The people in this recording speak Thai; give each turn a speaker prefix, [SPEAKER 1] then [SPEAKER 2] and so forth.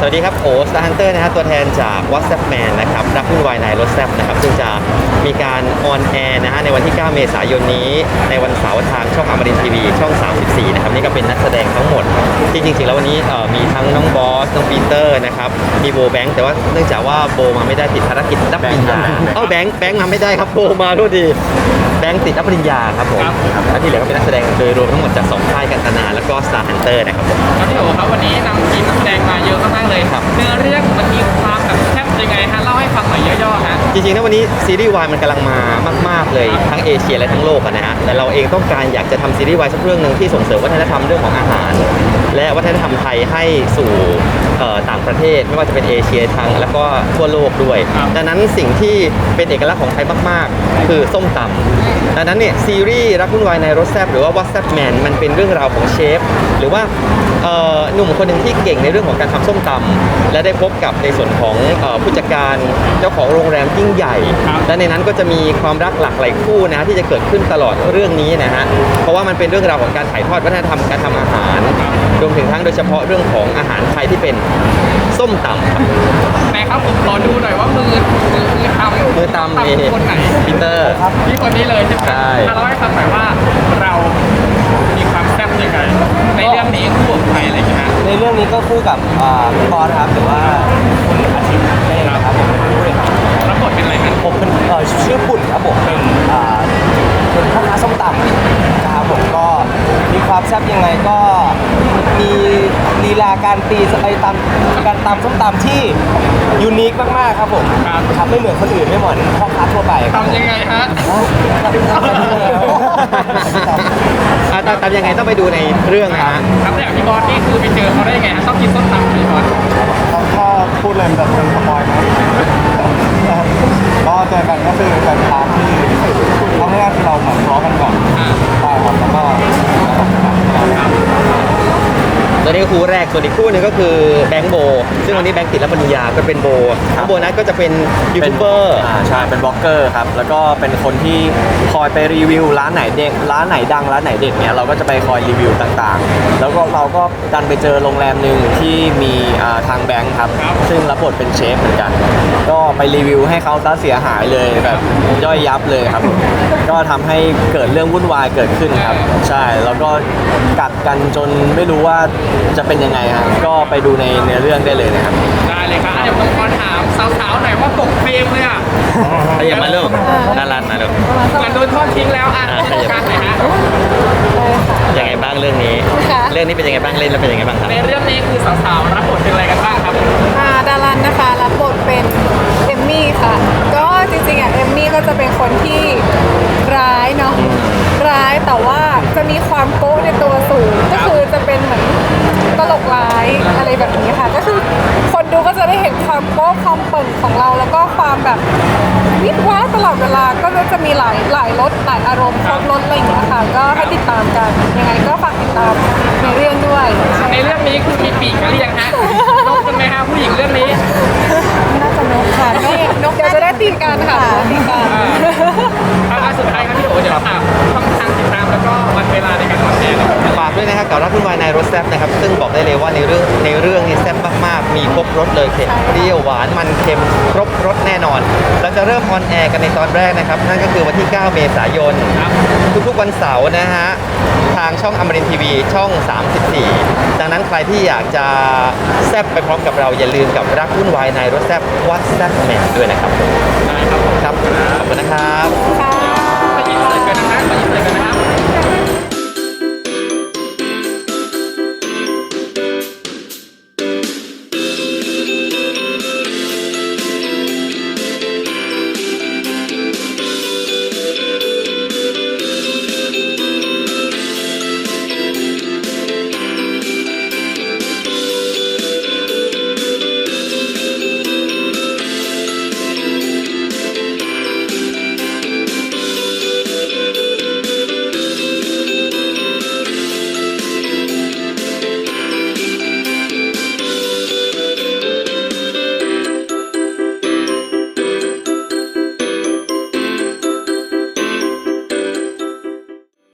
[SPEAKER 1] วัสดีครับโอสตาร์ฮันเตอร์นะฮะตัวแทนจาก WhatsApp Man นะครับรักวุ่นวายในรถแซบนะครับซึ่งจะมีการออนแอร์นะฮะในวันที่ 9 เมษายนนี้ในวันเสาร์ทางช่องอมรินทร์ทีวีช่อง 34 นะครับนี่ก็เป็นนักแสดงทั้งหมดที่จริงๆแล้ววันนี้มีทั้งน้องบอสน้องปีเตอร์นะครับมีโบแบงค์แต่ว่าเนื่องจากว่าโบมาไม่ได้ติดภารกิจรับปริญญาแบงค์มาไม่ได้ครับโบมาด้วยดีแบงค์ติดรับปริญญาครับผมและที่เหลือก็เป็นนักแสดงโดยรวมทั้งหมดจาก2ค่ายกันตนาแล้วก็ Star Hunter นะครับผม
[SPEAKER 2] ครับพี่โอครับวันนี้นำทีมนักแสดงมาเยอะมากๆเลยครับเนื้อเรื่องมันมีความแบบแซ่บยังไงฮะเล่าให้ฟังหน่อยย่อๆฮะ
[SPEAKER 1] จริงๆนะวันนี้ซีรีส์วายมันกำลังมามากๆเลยทั้งเอเชียและทั้งโลกนะฮะแต่เราเองต้องการอยากจะทำซีรีส์วายสักเรื่องหนึ่งที่ส่งเสริมวัฒนธรรมเรื่องของอาหารและวัฒนธรรมไทยให้สู่ต่างประเทศไม่ว่าจะเป็นเอเชียทางแล้วก็ทั่วโลกด้วยดังนั้นสิ่งที่เป็นเอกลักษณ์ของไทยมากๆคือส้มตำดังนั้นเนี่ยซีรีส์รักวุ่นวายในรสแซ่บหรือว่า WhatsApp Man มันเป็นเรื่องราวของเชฟหรือว่าหนุ่มคนหนึ่งที่เก่งในเรื่องของการทำส้มตำและได้พบกับในส่วนของผู้จัดการเจ้าของโรงแรมยิ่งใหญ่และในนั้นก็จะมีความรักหลากหลายคู่นะที่จะเกิดขึ้นตลอดเรื่องนี้นะฮะเพราะว่ามันเป็นเรื่องราวของการถ่ายทอดวัฒนธรรมการทำอาหารรวมถึงทั้งโดยเฉพาะเรื่องของอาหารไทยที่เป็นส้มตำครับ
[SPEAKER 2] แต่ครับผมขอดูหน่อยว่ามือตำคนไหน
[SPEAKER 1] ปีเตอร์
[SPEAKER 2] พี่คนนี้เลยใช่ไหมเล่าให้ฟังหน่อยว่าเรามีความแซ่บยังไงในเรื่องนี้คู่กับใครอะไรอย่างเงี้ย
[SPEAKER 3] ในเรื่องนี้ก็คู่กับพี่บอสครับหรือว่าคุณอาทิตย์เองนะครับผม
[SPEAKER 2] รับบทเป็นอะไรกัน
[SPEAKER 3] ผมเป็นชื่อปุ่นครับผมเป็นพ่อค้าส้มตำนะครับผมก็มีความแซ่บยังไงก็มีลีลาการตีไปตามการตำส้มตำที่ยูนิคมากๆครับผมครับไม่เหมือนคนอื่นไม่เหมือนพ่อค้าทั่วไป
[SPEAKER 2] ทำยังไงฮะ
[SPEAKER 1] ตามยังไงต้องไปดูในเรื่องนะฮะ
[SPEAKER 2] ครับอย่างพี่บอสนี่คือไปเจอเขาได้ยังไงชอบกินส้มตำพี่บอส
[SPEAKER 3] ถ้าพูดเลยแบบเป็นสปอยล์นะก็เจอกันก็คือเป็นทางที่เอาง่ายๆคือเราเหมือนร้องกันก่อนใช่ครับแล้วก็
[SPEAKER 1] ตัวนี้คู่แรกส่วนอีกคู่หนึ่งก็คือแบงค์โบซึ่งวันนี้แบงค์ติดรับปริญญาก็เป็นโบโบนั้นก็จะเป็นยูทูบเบอร์
[SPEAKER 3] ใช่เป็นบล็อกเกอร์ครับแล้วก็เป็นคนที่คอยไปรีวิวร้านไหนเด็กร้านไหนดังร้านไหนเด็กเนี่ยเราก็จะไปคอยรีวิวต่างๆแล้วก็เราก็ดันไปเจอโรงแรมหนึ่งที่มีทางแบงค์ครับซึ่งรับบทเป็นเชฟเหมือนกันก็ไปรีวิวให้เขาซะเสียหายเลยแบบย่อยยับเลยครับก็ทำให้เกิดเรื่องวุ่นวายเกิดขึ้นครับใช่แล้วก็กัดกันจนไม่รู้ว่าจะเป็นยังไงฮะก็ไปดูในเนื้อเรื่องได้เลยนะครับ
[SPEAKER 2] ได้เลยครับเดี๋ยวผมขอถามสาวๆหน่อยว่าตกเฟรมเลยอ่ะ
[SPEAKER 1] อย่ามาลูกน่ารักนะลูก
[SPEAKER 2] เหมือนโดนทอดทิ้งแล้วการไหนฮะ
[SPEAKER 1] ยังไงบ้างเรื่องนี้เรื่องนี้เป็นยังไงบ้างเล่นแล้วเป็นยังไงบ้างครับ
[SPEAKER 2] ในเรื่องนี้คือสาวๆรับบทเป็นอะไรกันบ้างครับ
[SPEAKER 4] ดารันนะคะรับบทเป็นเอมมี่ค่ะก็จริงๆเอมมี่ก็จะเป็นคนที่ร้ายเนาะร้ายแต่ว่าจะมีความโก้ในตัวสูงก็คือจะเป็นเหมือนตลกร้ายอะไรแบบนี้ค่ะก็คือคนดูก็จะได้เห็นความโก้ความเปิ่งของเราแล้วก็ความแบบวิดว้าตลอดเวลาก็จะมีหลายรสหลายอารมณ์ครบรสอะไรอย่างเงี้ยค่ะก็ให้ติดตามกันยังไงก็ฝากติดตามในเรื่องด้วย
[SPEAKER 2] ในเรื่องนี้คือมีปีกกันหรือยังฮะนกกันไหมฮะผู้หญิงเรื่องนี้
[SPEAKER 4] น่าจะนกค่ะนกเดี๋ยวจะได้ตีกันค่ะตีกัน
[SPEAKER 2] สุดท้ายครับพี่โอ๋เดี๋ยวฝากช่องทางติดตามแล้วก็วันเวลาในการออนแอร์
[SPEAKER 1] ฝากด้วยนะครับกับรักวุ่นวายในรสแซ่บนะครับซึ่งบอกได้เลยว่าในเรื่องนี้แซ่บมากๆมีครบรสเลยเผ็ดเปรี้ยวหวานมันเค็มครบรสแน่นอนเราจะเริ่มออนแอร์กันในตอนแรกนะครับนั่นก็คือวันที่ 9 เมษายนทุกๆวันเสาร์นะฮะทางช่องอมรินทร์ทีวีช่อง 34ดังนั้นใครที่อยากจะแซ่บไปพร้อมกับเราอย่าลืมกับรักวุ่นวายในรสแซ่บWhatsApp Manด้วยนะครับครับขอบคุณนะครับ